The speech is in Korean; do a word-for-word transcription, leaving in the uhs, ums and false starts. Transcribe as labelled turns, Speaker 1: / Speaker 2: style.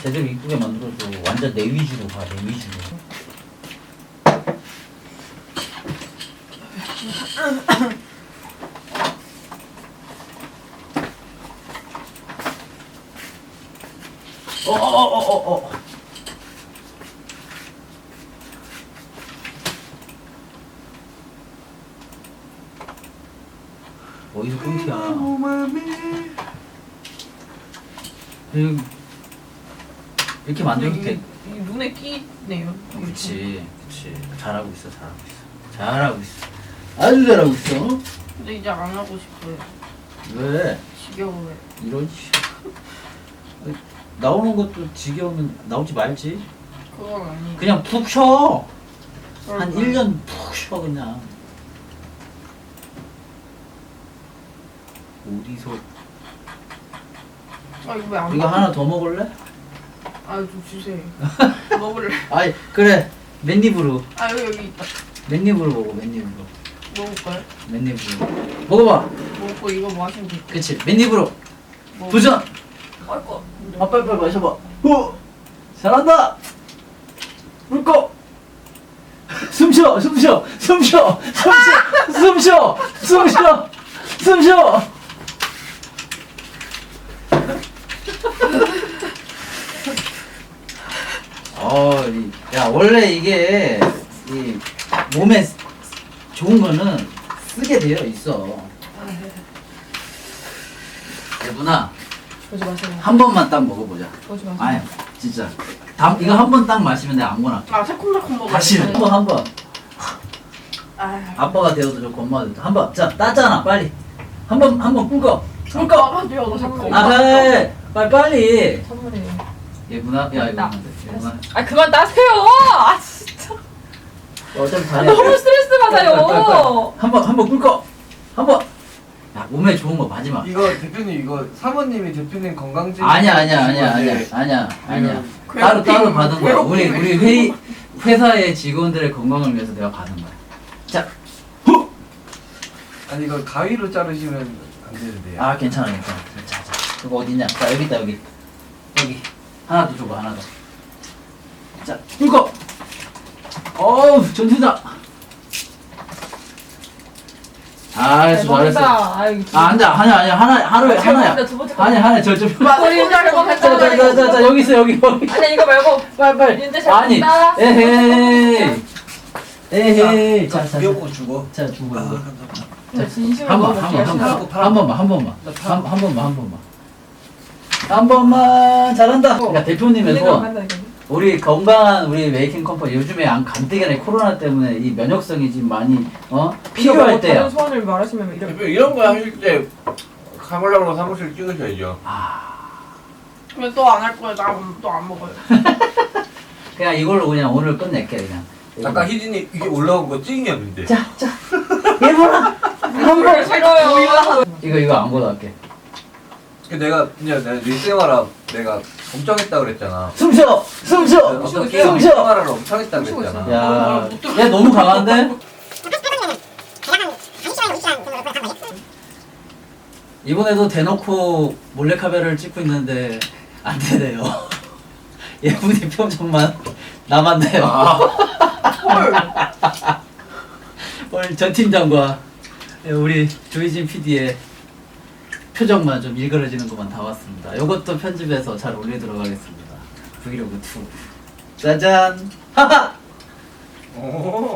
Speaker 1: 제대로 이쁘게 만들어줘. 완전 내 위주로 가, 내 위주로. 어어어어어 어. 어디서 끊기야? 음, 이렇게 만들어도 돼.
Speaker 2: 이 눈에 끼네요.
Speaker 1: 그렇지, 그렇지. 잘하고 있어, 잘하고 있어. 잘하고 있어. 아주 잘하고 있어.
Speaker 2: 근데 이제 안 하고 싶어요.
Speaker 1: 왜?
Speaker 2: 지겨워요.
Speaker 1: 이런 씨. 나오는 것도 지겨우면 나오지 말지.
Speaker 2: 그건 아니에요.
Speaker 1: 그냥 푹 쉬어. 한
Speaker 2: 그럴까요?
Speaker 1: 일 년 푹 쉬어 그냥. 어디서?
Speaker 2: 아 이거 왜 안
Speaker 1: 이거
Speaker 2: 먹어?
Speaker 1: 하나 더 먹을래?
Speaker 2: 아좀 주세요. 먹을래.
Speaker 1: 아이 그래. 맨입으로.
Speaker 2: 아 여기 여기 있다.
Speaker 1: 맨입으로 먹어. 맨입으로.
Speaker 2: 먹을까요?
Speaker 1: 맨입으로. 먹어봐.
Speaker 2: 먹고 이거 뭐 하시면 될까요?
Speaker 1: 그치. 맨입으로.
Speaker 2: 먹-
Speaker 1: 도전.
Speaker 2: 아이고.
Speaker 1: 아 빨리 빨리 마셔봐. 후. 잘한다. 물고. 숨쉬어. 숨쉬어. 숨쉬어. 숨쉬어. 숨쉬어. 숨쉬어. 숨쉬어. 어, 이, 야 원래 이게 이 몸에 좋은 거는 쓰게 되어 있어. 예분아,
Speaker 2: 오지 마세요.
Speaker 1: 한 번만 딱 먹어보자.
Speaker 2: 오지 마세요.
Speaker 1: 아니, 진짜. 다, 이거 한 번 딱 마시면 내가 아무거나 할게.
Speaker 2: 아 새콤달콤 먹어요.
Speaker 1: 다시 한 번, 한 번.
Speaker 2: 아.
Speaker 1: 아빠가 되어도 좋고 엄마가 되어도 한 번. 자, 따잖아, 빨리. 한 번, 한 번 꿀꺽. 꿀꺽.
Speaker 2: 아빠가 되어도 자꾸.
Speaker 1: 아, 그래. 빨리, 빨리.
Speaker 2: 선물이에요.
Speaker 1: 예분아, 야, 이거
Speaker 2: 나.
Speaker 1: 안 돼. 예분아.
Speaker 2: 아 그만 따세요. 아 진짜.
Speaker 1: 어차피 다
Speaker 2: 아, 너무 스트레스 받아요.
Speaker 1: 한 번, 한 번 꿀꺽. 한 번. 야, 몸에 좋은 거 마지막.
Speaker 3: 이거 대표님 이거 사모님이 대표님 건강증
Speaker 1: 아니야, 아니야, 아니야, 아니야, 아니야, 아니야. 따로,
Speaker 2: 괴롭힘,
Speaker 1: 따로 받은 거야. 우리,
Speaker 2: 괴롭힘.
Speaker 1: 우리 회의, 회사의 직원들의 건강을 위해서 내가 받은 거야. 자, 후!
Speaker 3: 아니 이거 가위로 자르시면 안 되는데요.
Speaker 1: 아, 괜찮아, 괜찮아. 자, 자, 그거 어디냐? 자, 여기 있다, 여기. 여기. 하나 더 줘봐, 하나 더. 자, 꿀꺽! 어우, 전투다! 잘했어, 잘했어.
Speaker 2: 아유.
Speaker 1: 아, 앉아. 아니야, 아니야. 하나, 하루에
Speaker 2: 아,
Speaker 1: 하나야.
Speaker 2: 죄송합니다. 두 번째 거.
Speaker 1: 아니야, 하나, 저, 저.
Speaker 2: 우리 윤재 거
Speaker 1: 자, 자, 자, 자, 자, 여기 있어, 여기, 여기.
Speaker 2: 아니 이거 말고
Speaker 1: 빨리, 빨리.
Speaker 2: 윤재 잘
Speaker 1: 아니,
Speaker 2: 먹는다.
Speaker 1: 에헤이. 에헤이. 자, 자, 자.
Speaker 3: 귀엽고 주고.
Speaker 1: 자, 주고, 이거.
Speaker 2: 진짜 진심으로
Speaker 1: 한 번, 한 번, 한 번. 한 번만, 한 번만. 한, 한 번만, 한 번만. 한 번만. 잘한다. 그러니까 대표님의 소원. 우리 건강한 우리 메이킹 컴퍼니 요즘에 안 간대기나 코로나 때문에 이 면역성이 지금 많이 어 필요할 때야.
Speaker 2: 다른 소원을 말하시면 이런.
Speaker 4: 대표 이런 거 하실 때 카메라로 사무실 찍으셔야죠.
Speaker 2: 왜 또 안 할 거예요? 나 또 안 먹어요.
Speaker 1: 그냥 이걸로 그냥 오늘 끝낼게 그냥.
Speaker 4: 아까 희진이 이게 올라온 거 찍냐는데.
Speaker 1: 자, 자, 예보라.
Speaker 2: 한번 싫어요.
Speaker 1: 이거 이거 아무거나 할게.
Speaker 4: 그 내가 그냥 내가 일생활아 내가 엄청 했다 그랬잖아.
Speaker 1: 숨쉬어, 숨쉬어,
Speaker 4: 어떤 게임
Speaker 1: 숨쉬어.
Speaker 4: 일생활을 엄청 했다 그랬잖아.
Speaker 1: 야, 야 너무 강한데? 이번에도 대놓고 몰래카메라를 찍고 있는데 안 되네요. 예분이 표정만 남았네요. 오늘 전 팀장과 우리 조희진 피디의 표정만 좀 일그러지는 것만 담았습니다. 이것도 편집해서 잘 올리도록 하겠습니다. 브이로그 투. 짜잔! 하하!
Speaker 4: 오.